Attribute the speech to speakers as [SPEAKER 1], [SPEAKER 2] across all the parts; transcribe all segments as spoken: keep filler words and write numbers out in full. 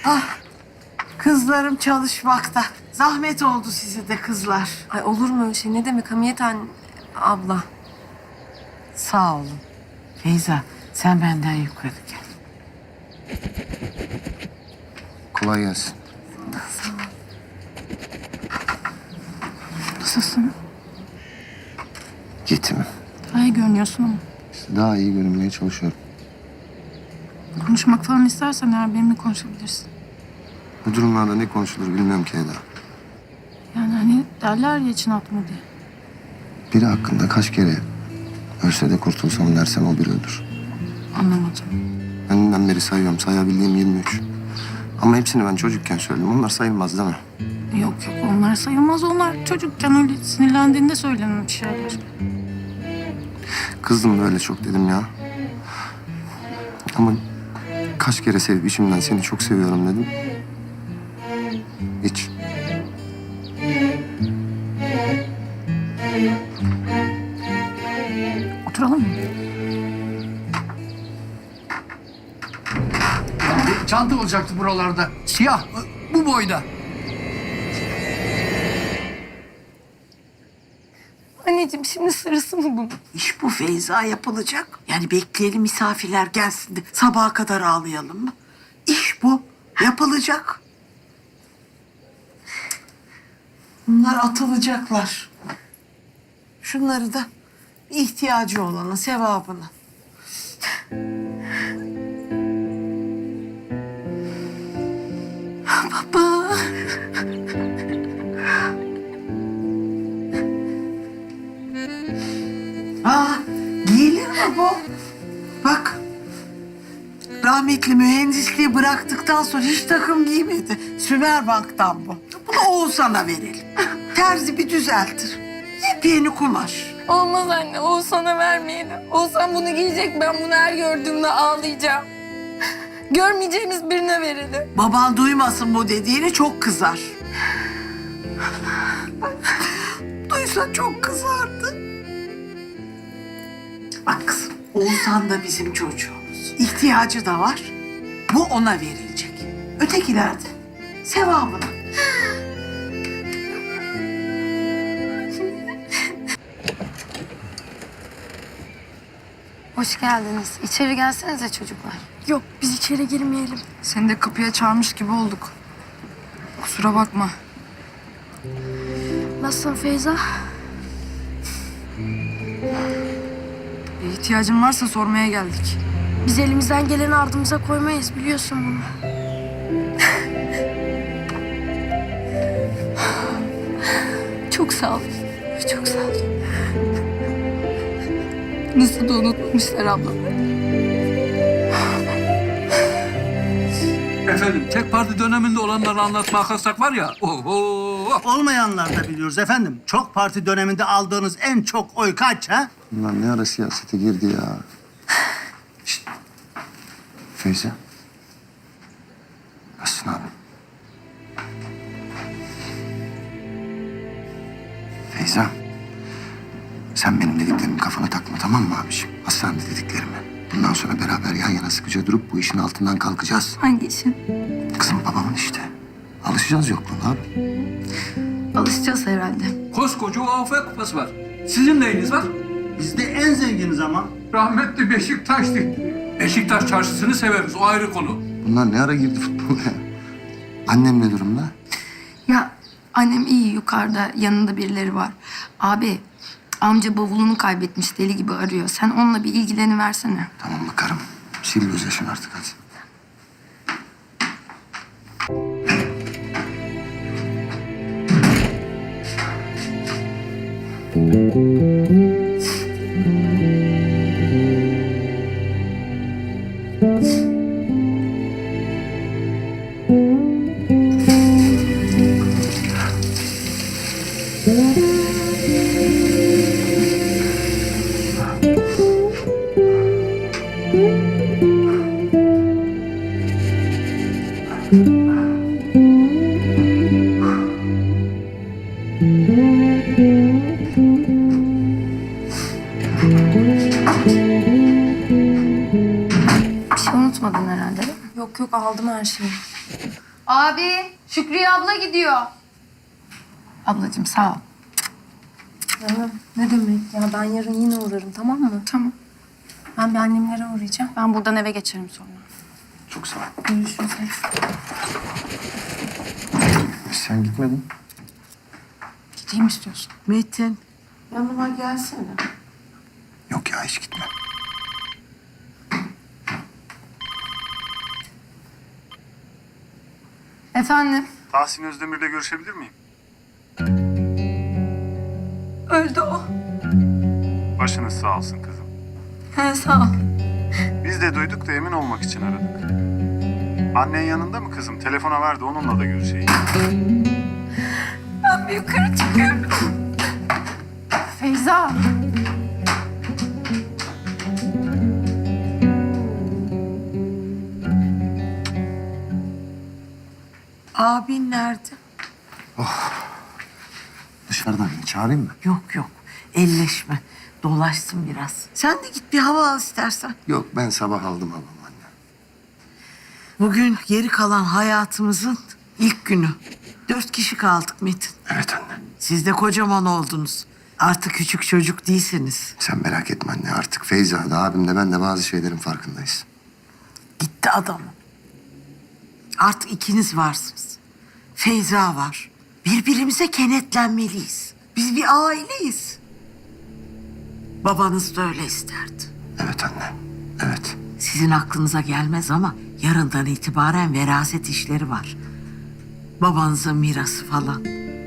[SPEAKER 1] Ah, kızlarım çalışmakta. Zahmet oldu size de kızlar.
[SPEAKER 2] Ay olur mu öyle şey? Ne demek Hamiyet anne, abla?
[SPEAKER 1] Sağ olun. Feyza, sen benden yukarı gel.
[SPEAKER 3] Kolay gelsin.
[SPEAKER 4] Nasılsın?
[SPEAKER 3] Yetimim.
[SPEAKER 4] Daha iyi görünüyorsun ama.
[SPEAKER 3] İşte daha iyi görünmeye çalışıyorum.
[SPEAKER 4] Konuşmak falan istersen eğer benimle konuşabilirsin.
[SPEAKER 3] Bu durumlarda ne konuşulur bilmiyorum ki Eda.
[SPEAKER 4] Yani hani derler ya için atma diye.
[SPEAKER 3] Biri hakkında kaç kere ölse de kurtulsam dersem o biri ölür.
[SPEAKER 4] Anlamadım.
[SPEAKER 3] Önünden beri sayıyorum. Sayabildiğim yirmi üç. Ama hepsini ben çocukken söyledim. Onlar sayılmaz değil mi?
[SPEAKER 4] Yok yok onlar sayılmaz. Onlar çocukken öyle sinirlendiğinde söylenen şeyler.
[SPEAKER 3] Kızdım da öyle çok dedim ya. Ama kaç kere sevip içimden seni çok seviyorum dedim. Hiç.
[SPEAKER 4] Oturalım mı?
[SPEAKER 5] Bir çanta olacaktı buralarda. Siyah, bu boyda.
[SPEAKER 2] Anneciğim şimdi sırası mı bunun?
[SPEAKER 1] İş bu Feyza, yapılacak. Yani bekleyelim misafirler gelsin de sabaha kadar ağlayalım mı? İş bu. Yapılacak. Bunlar atılacaklar. Şunları da ihtiyacı olanın sevabını. Baba. Aa, giyilir mi bu? Bak. Rahmetli mühendisliği bıraktıktan sonra hiç takım giymedi. Sümerbank'tan bu. Bunu Oğuzhan'a verelim. Terzi bir düzeltir. Yepyeni kumaş.
[SPEAKER 2] Olmaz anne, Oğuzhan'a vermeyelim. Oğuzhan bunu giyecek, ben bunu her gördüğümde ağlayacağım. Görmeyeceğimiz birine verelim.
[SPEAKER 1] Baban duymasın bu dediğini, çok kızar. Duysa çok kızardı. Bak kızım, Oğuzhan da bizim çocuğumuz. İhtiyacı da var. Bu ona verilecek. Ötekiler de sevabına.
[SPEAKER 2] Hoş geldiniz. İçeri gelsenize çocuklar.
[SPEAKER 4] Yok biz içeri girmeyelim.
[SPEAKER 6] Seni de kapıya çağırmış gibi olduk. Kusura bakma.
[SPEAKER 4] Nasılsın Feyza?
[SPEAKER 6] Bir ihtiyacın varsa sormaya geldik.
[SPEAKER 4] Biz elimizden geleni ardımıza koymayız biliyorsun bunu.
[SPEAKER 2] Çok sağ ol. Çok sağ ol. Nasıl da unutmuşlar ablam.
[SPEAKER 5] Efendim, tek parti döneminde olanları anlatmaya kalksak var ya. Oho.
[SPEAKER 7] Olmayanlar da biliyoruz efendim. Çok parti döneminde aldığınız en çok oy kaç ha?
[SPEAKER 3] Bunlar ne ara siyasete girdi ya. Şişt. Feyza. Nasılsın abi? Feyza. Sen benim dediklerimi kafana takma, tamam mı abiciğim? Hastanede dediklerimi. Bundan sonra beraber yan yana sıkıca durup bu işin altından kalkacağız.
[SPEAKER 2] Hangi işin?
[SPEAKER 3] Kızım babamın işte. Alışacağız yokluğuna abi.
[SPEAKER 2] Alışacağız herhalde.
[SPEAKER 5] Koskoca U A F kupası var. Sizin neyiniz var?
[SPEAKER 7] Biz de en zenginiz ama.
[SPEAKER 5] Rahmetli Beşiktaş'tı. Beşiktaş çarşısını severiz, o ayrı konu.
[SPEAKER 3] Bunlar ne ara girdi futbola ya? Annem ne durumda?
[SPEAKER 6] Ya annem iyi, yukarıda yanında birileri var. Abi amca bavulunu kaybetmiş, deli gibi arıyor. Sen onunla bir ilgileniversene.
[SPEAKER 3] Tamam bakarım. Sil gözyaşını artık hadi.
[SPEAKER 2] Bir şey unutmadın herhalde değil mi? Yok yok aldım her şeyi.
[SPEAKER 6] Abi, Şükriye abla gidiyor. Ablacığım sağ ol.
[SPEAKER 4] Canım ne demek ya, ben yarın yine uğrarım, tamam mı?
[SPEAKER 6] Tamam.
[SPEAKER 4] Ben bir annemlere uğrayacağım. Ben buradan eve geçerim sonra.
[SPEAKER 3] Çok sağ ol.
[SPEAKER 4] Görüşürüz.
[SPEAKER 3] Sen gitmedin.
[SPEAKER 4] Gideyim istiyorsun.
[SPEAKER 1] Metin, yanıma gelsene.
[SPEAKER 3] Yok ya hiç gitme.
[SPEAKER 6] Efendim?
[SPEAKER 8] Tahsin Özdemir'le görüşebilir miyim?
[SPEAKER 6] Öldü o.
[SPEAKER 8] Başınız sağ olsun kızım.
[SPEAKER 6] He sağ ol.
[SPEAKER 8] Biz de duyduk da emin olmak için aradık. Annen yanında mı kızım? Telefona ver de onunla da görüşeyim.
[SPEAKER 6] Ben bir yukarı çıkıyorum.
[SPEAKER 4] Feyza.
[SPEAKER 1] Abin nerede?
[SPEAKER 3] Dışarıdan mı? Çağırayım mı?
[SPEAKER 1] Yok yok, elleşme. Dolaşsın biraz. Sen de git bir hava al istersen.
[SPEAKER 3] Yok ben sabah aldım babam anne.
[SPEAKER 1] Bugün geri kalan hayatımızın ilk günü. Dört kişi kaldık Metin.
[SPEAKER 3] Evet anne.
[SPEAKER 1] Siz de kocaman oldunuz. Artık küçük çocuk değilsiniz.
[SPEAKER 3] Sen merak etme anne artık Feyza da abim de ben de bazı şeylerin farkındayız.
[SPEAKER 1] Gitti adam. Artık ikiniz varsınız. Feyza var. Birbirimize kenetlenmeliyiz. Biz bir aileyiz. Babanız da öyle isterdi.
[SPEAKER 3] Evet anne. Evet.
[SPEAKER 1] Sizin aklınıza gelmez ama yarından itibaren veraset işleri var. Babanızın mirası falan.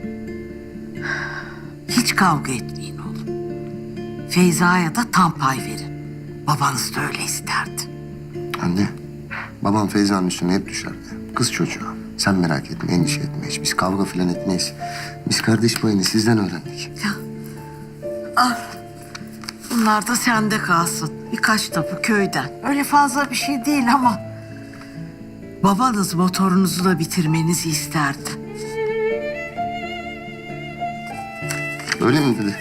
[SPEAKER 1] Hiç kavga etmeyin oğlum. Feyza'ya da tam pay verin. Babanız da öyle isterdi.
[SPEAKER 3] Anne. Babam Feyza'nın üstüne hep düşerdi. Kız çocuğu. Sen merak etme, endişe etme hiç. Biz kavga falan etmeyiz. Biz kardeş payını sizden öğrendik.
[SPEAKER 1] Al. Bunlar da sende kalsın. Birkaç tapu köyden. Öyle fazla bir şey değil ama... babanız motorunuzu da bitirmenizi isterdi.
[SPEAKER 3] Öyle mi dedi?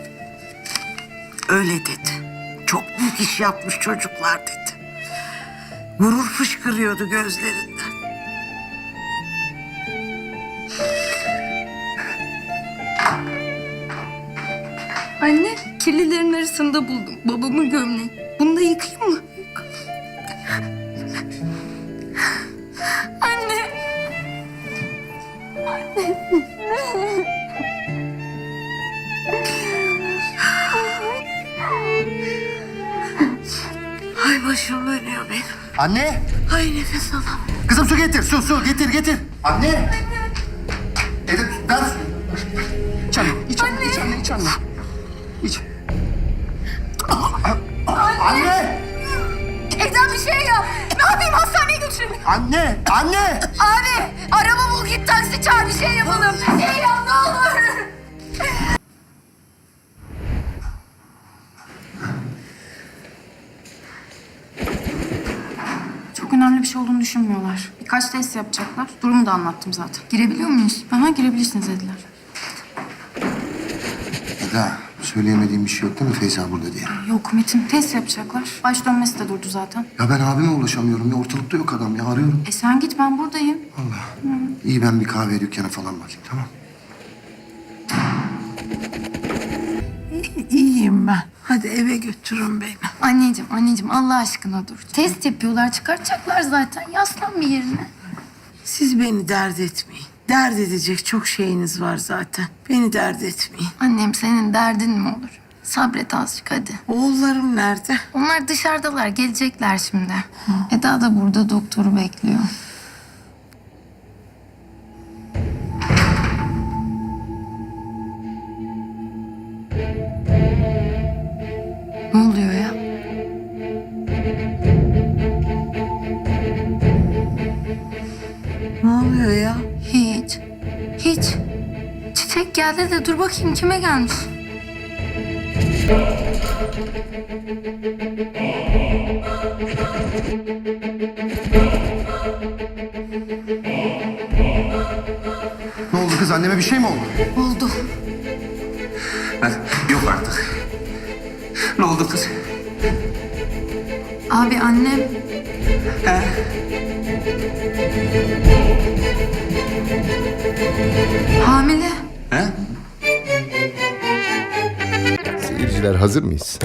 [SPEAKER 1] Öyle dedi. Çok büyük iş yapmış çocuklar dedi. Gurur fışkırıyordu gözlerinden.
[SPEAKER 6] Anne, kirlilerin arasında buldum babamın gömleği. Bunu da yıkayayım mı? Anne.
[SPEAKER 1] Ay başım dönüyor benim.
[SPEAKER 3] Anne!
[SPEAKER 1] Ay nefes alamıyorum.
[SPEAKER 3] Kızım su getir, su, su getir, getir. Anne! Edip, ver su. İç anne, iç anne, iç anne, iç anne. İç. Anne!
[SPEAKER 6] Evden bir şey yap. Ne yapayım, hastaneye götürün.
[SPEAKER 3] Anne! Anne!
[SPEAKER 6] Abi, araba bul, git taksi çağır, bir şey yapalım. Bir şey yap, ne olur.
[SPEAKER 4] Çok önemli bir şey olduğunu düşünmüyorlar. Birkaç test yapacaklar. Durumu da anlattım zaten.
[SPEAKER 6] Girebiliyor muyuz?
[SPEAKER 4] Aha, girebilirsiniz dediler.
[SPEAKER 3] Eda, söyleyemediğim bir şey yok değil mi Feyza burada diye?
[SPEAKER 4] Yok Metin, test yapacaklar. Baş dönmesi de durdu zaten.
[SPEAKER 3] Ya ben abime ulaşamıyorum ya, ortalıkta yok adam ya, arıyorum.
[SPEAKER 4] E sen git, ben buradayım.
[SPEAKER 3] Allah. İyi ben bir kahve dükkanı falan bakayım, tamam.
[SPEAKER 1] İyiyim ben. Hadi eve götürün beni.
[SPEAKER 6] Anneciğim, anneciğim Allah aşkına dur. Test yapıyorlar, çıkartacaklar zaten. Yaslan bir yerine.
[SPEAKER 1] Siz beni dert etmeyin. Dert edecek çok şeyiniz var zaten. Beni dert etmeyin.
[SPEAKER 6] Annem, senin derdin mi olur? Sabret azıcık hadi.
[SPEAKER 1] Oğullarım nerede?
[SPEAKER 6] Onlar dışarıdalar, gelecekler şimdi. Eda da burada doktoru bekliyor. Ne oluyor ya?
[SPEAKER 1] Ne oluyor ya?
[SPEAKER 6] Hiç. Hiç. Çiçek geldi de dur bakayım kime gelmiş?
[SPEAKER 3] Ne oldu kız, anneme bir şey mi oldu?
[SPEAKER 6] Oldu.
[SPEAKER 5] Ben yok artık. Ne oldu kız?
[SPEAKER 6] Abi annem
[SPEAKER 1] He.
[SPEAKER 6] hamile.
[SPEAKER 3] He?
[SPEAKER 9] Seyirciler hazır mıyız?